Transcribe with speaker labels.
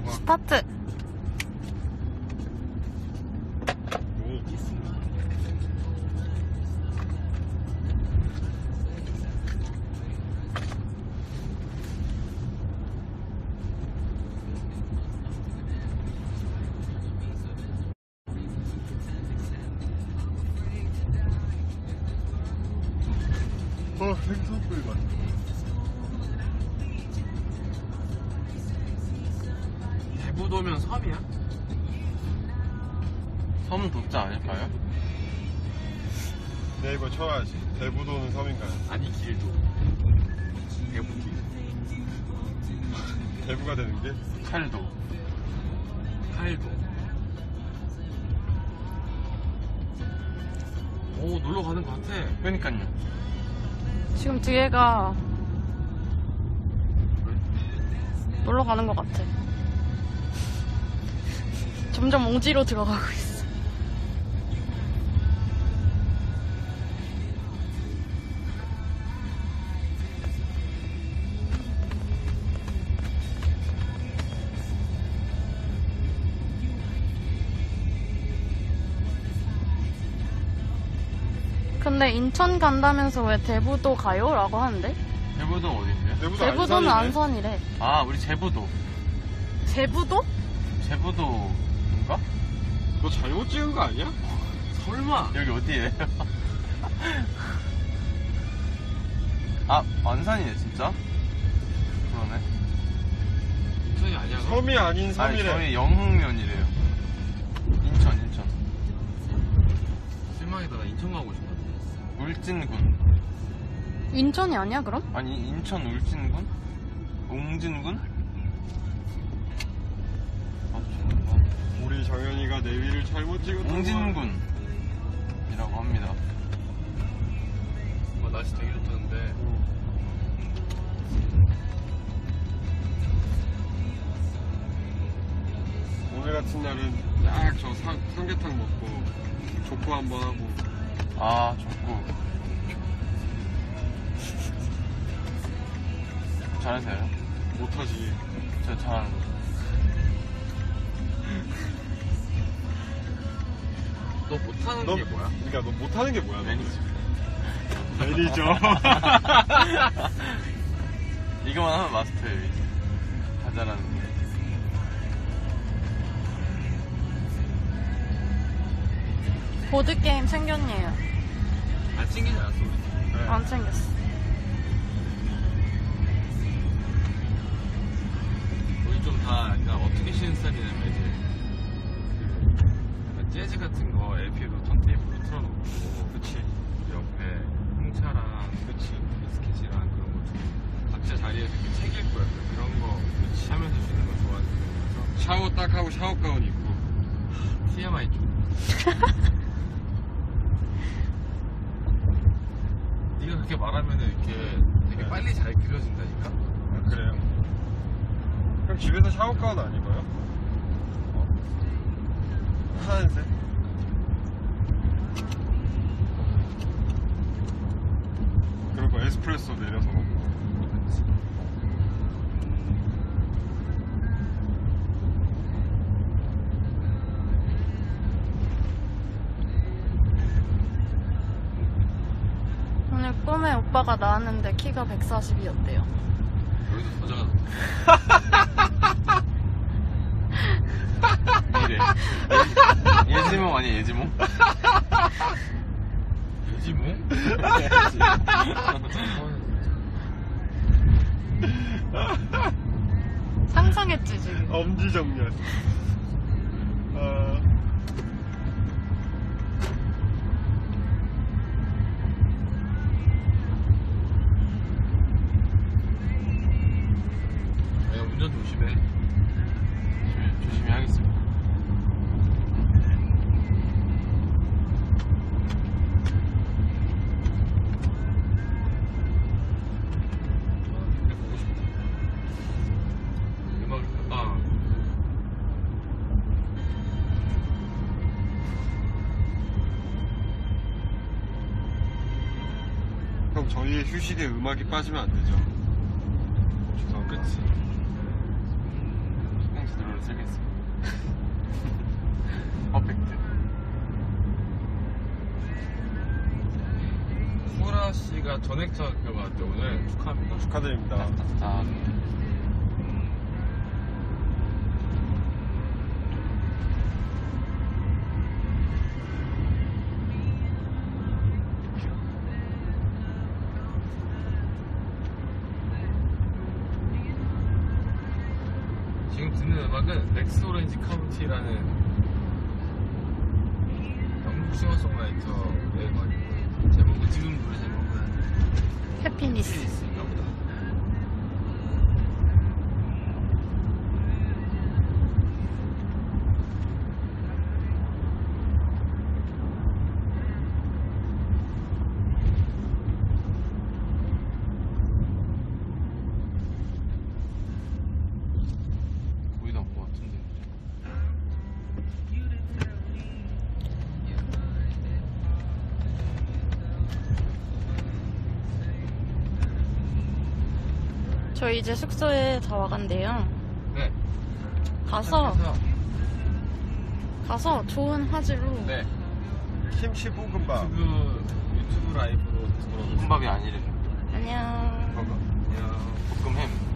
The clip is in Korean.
Speaker 1: 스타트.
Speaker 2: 생선구이 맛.
Speaker 3: 대부도면 섬이야?
Speaker 2: 섬은 도자 아닐까요? 네이버 쳐야지. 대부도는 섬인가요?
Speaker 3: 아니 길도 대부길
Speaker 2: 대부가 되는 게?
Speaker 3: 칼도 오 놀러 가는 것 같아.
Speaker 2: 그러니까요.
Speaker 1: 지금 뒤에가 놀러 가는 것 같아. 점점 옹지로 들어가고 있어. 근데 인천 간다면서 왜 대부도 가요? 라고 하는데?
Speaker 2: 대부도 어딘데요?
Speaker 1: 대부도는 안산이래.
Speaker 2: 아, 우리 제부도.
Speaker 1: 제부도?
Speaker 2: 제부도인가?
Speaker 3: 너 잘못 찍은 거 아니야? 설마.
Speaker 2: 여기 어디예요? 아, 안산이네 진짜? 그러네.
Speaker 3: 인천이 아니야? 너?
Speaker 2: 섬이 아닌 섬이래. 아니, 저희 영흥면이래요. 인천.
Speaker 3: 실망이다. 나 인천 가고 싶어.
Speaker 2: 울진군.
Speaker 1: 인천이 아니야 그럼?
Speaker 2: 아니, 인천 울진군? 옹진군?
Speaker 4: 우리 정현이가 내비를 잘못 찍었던
Speaker 2: 옹진군이라고 합니다.
Speaker 3: 날씨 되게 좋다는데.
Speaker 4: 오늘 같은 날은 딱 저 삼계탕 먹고 족구 한번 하고.
Speaker 2: 아, 족구. 잘하세요?
Speaker 4: 못하지.
Speaker 2: 저 잘하는 거.
Speaker 3: 너 못하는 게 뭐야?
Speaker 4: 그러니까 너 못하는 게 뭐야?
Speaker 2: 매니저.
Speaker 4: 매니저.
Speaker 2: 이거만 하면 마스터예요, 이제. 다 잘하는 게.
Speaker 1: 보드게임 챙겼네요.
Speaker 3: 안 챙기지 않았어 우리?
Speaker 4: 네.
Speaker 1: 안 챙겼어.
Speaker 3: 우리 좀 다 그러니까 어떻게 쉬는 스타일이냐면 이제 그 약간 재즈 같은 거 LP로 턴테이프로 틀어놓고
Speaker 4: 그치.
Speaker 3: 옆에 홍차랑
Speaker 4: 그치.
Speaker 3: 비스킷이랑 그런 거 좀 각자 자리에서 이렇게 책 읽고 약간 그런 거 하면서 쉬는 거 좋아하는 거라서
Speaker 4: 샤워 딱 하고 샤워 가운 입고.
Speaker 3: TMI 좀 네가 그렇게 말하면은 이렇게 되게
Speaker 4: 네.
Speaker 3: 빨리 잘 그려진다니까.
Speaker 4: 아, 그래요? 그럼 집에서 샤워 가운 안 입어요? 하얀색? 그리고 에스프레소 내려서 먹고.
Speaker 1: 오늘 꿈에 오빠가 나왔는데 키가 140이었대요.
Speaker 3: 여기서 더 작아.
Speaker 2: 이래. 예지몽 아니야, 예지몽?
Speaker 3: 예지몽?
Speaker 1: 상상했지 지금.
Speaker 4: 엄지정렬.
Speaker 3: 야, 운전 조심해.
Speaker 2: 조심히 하겠습니다.
Speaker 3: 근데 보고 싶다. 음악,
Speaker 4: 형, 저희의 휴식에 음악이 빠지면 안 되죠. 죄송합니다.
Speaker 3: 그치.
Speaker 2: 신경쓰 들어올 도착했어요. 퍼펙트.
Speaker 3: 소라 씨가 전액차 그거 같아요. 오늘 축하합니다.
Speaker 4: 축하드립니다.
Speaker 2: 자,
Speaker 3: 지금 듣는 음악은 렉스 오렌지 카운티라는 영국 싱어송라이터의 음악이고요. 제목은 지금 노래 제목은
Speaker 1: 해피니스.
Speaker 3: 피니스인가 보다.
Speaker 2: 거의 다온 것 같은데.
Speaker 1: 저희 이제 숙소에 다 와간대요.
Speaker 3: 네.
Speaker 1: 가서
Speaker 3: 그래서
Speaker 1: 좋은 화질로
Speaker 3: 네.
Speaker 4: 김치 볶음밥.
Speaker 3: 유튜브 라이브로 들어오고
Speaker 2: 볶음밥이 아니래.
Speaker 1: 안녕.
Speaker 3: 안녕.
Speaker 2: 볶음햄.